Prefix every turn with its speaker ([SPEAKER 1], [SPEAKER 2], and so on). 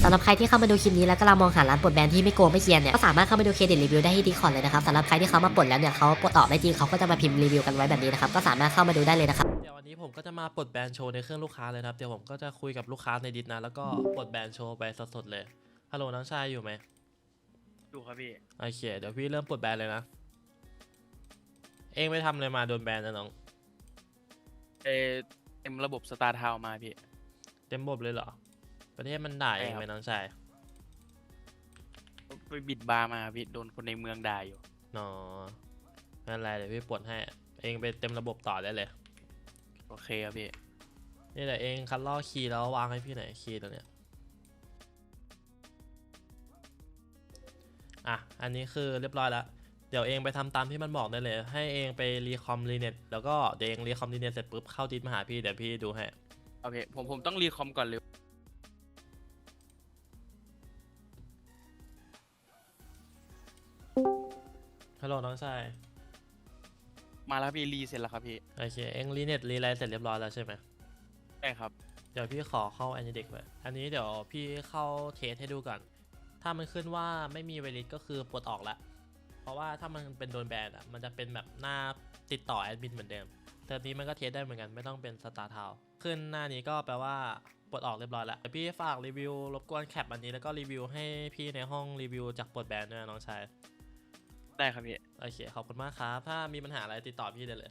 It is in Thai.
[SPEAKER 1] สำหรับใครที่เข้ามาดูคลิปนี้แล้วกำลังมองหาร้านปลดแบนที่ไม่โกงไม่เกียนเนี่ยก็สามารถเข้ามาดูเครดิตรีวิวได้ที่ดีคอร์ดเลยนะครับสำหรับใครที่เขามาปลดแล้วเนี่ยเขาปลดออกได้จริงเขาก็จะมาพิมพ์รีวิวกันไว้แบบนี้นะครับก็สามารถเข้ามาดูได้เลยนะครับ
[SPEAKER 2] เดี๋ยววันนี้ผมก็จะมาปลดแบนโชว์ในเครื่องลูกค้าเลยนะครับเดี๋ยวผมก็จะคุยกับลูกค้าในดิสนะแล้วก็ปลดแบนโชว์ไปสดๆเลยฮัลโหลน้องชายอยู่ไหม
[SPEAKER 3] ดูครับพี่
[SPEAKER 2] โอเคเดี๋ยวพี่เริ่มปลดแบนเลยนะเองไปทำอะไรมาโดนแบนนะน้อง
[SPEAKER 3] เอเต็มระบบสตาร์ทาวมาพี่
[SPEAKER 2] เต็มบบเลยเหรอประเทศมันด่าเองไหมน้องชาย
[SPEAKER 3] ไปบิดบาร์มาพี่โดนคนในเมืองด่าอยู่
[SPEAKER 2] นอนั่นแหละเดี๋ยวพี่ปลดให้เองไปเต็มระบบต่อได้เลย
[SPEAKER 3] โอเคครับพี่
[SPEAKER 2] นี่แหละเองคัดลอกคีย์แล้ววางให้พี่หน่อยคีย์ตัวเนี้ยอ่ะอันนี้คือเรียบร้อยแล้วเดี๋ยวเองไปทำตามที่มันบอกได้เลยให้เองไปรีคอมรีเน็ตแล้วก็เดี๋ยวเองรีคอมรีเน็ตเสร็จปุ๊บเข้าดิสมาหาพี่เดี๋ยวพี่ดูให้
[SPEAKER 3] โอเคผมต้องรีคอมก่อนเลย
[SPEAKER 2] ฮัลโหลน้องชาย
[SPEAKER 3] มาแล้วพี่รีเสร็จแล้วครับพี่
[SPEAKER 2] โอเคเองรีเน็ตรีไลน์เสร็จเรียบร้อยแล้วใช่ไหม
[SPEAKER 3] ใช่ครับ
[SPEAKER 2] เดี๋ยวพี่ขอเข้า Anydex ไว้อันนี้เดี๋ยวพี่เข้าเทสให้ดูก่อนถ้ามันขึ้นว่าไม่มีเวลิตก็คือปลดออกละเพราะว่าถ้ามันเป็นโดนแบนอ่ะมันจะเป็นแบบหน้าติดต่อแอดมินเหมือนเดิมเทอมนี้มันก็เทสได้เหมือนกันไม่ต้องเป็นสตาร์ทาวขึ้นหน้านี้ก็แปลว่าปลดออกเรียบร้อยแล้วเดี๋ยวพี่ฝากรีวิวรบกวนแคปอันนี้แล้วก็รีวิวให้พี่ในห้องรีวิวจากปลดแบนด้วยนะน้องชาย
[SPEAKER 3] ได้ครับพี่
[SPEAKER 2] โอเคขอบคุณมากครับถ้ามีปัญหาอะไรติดต่อพี่ได้เลย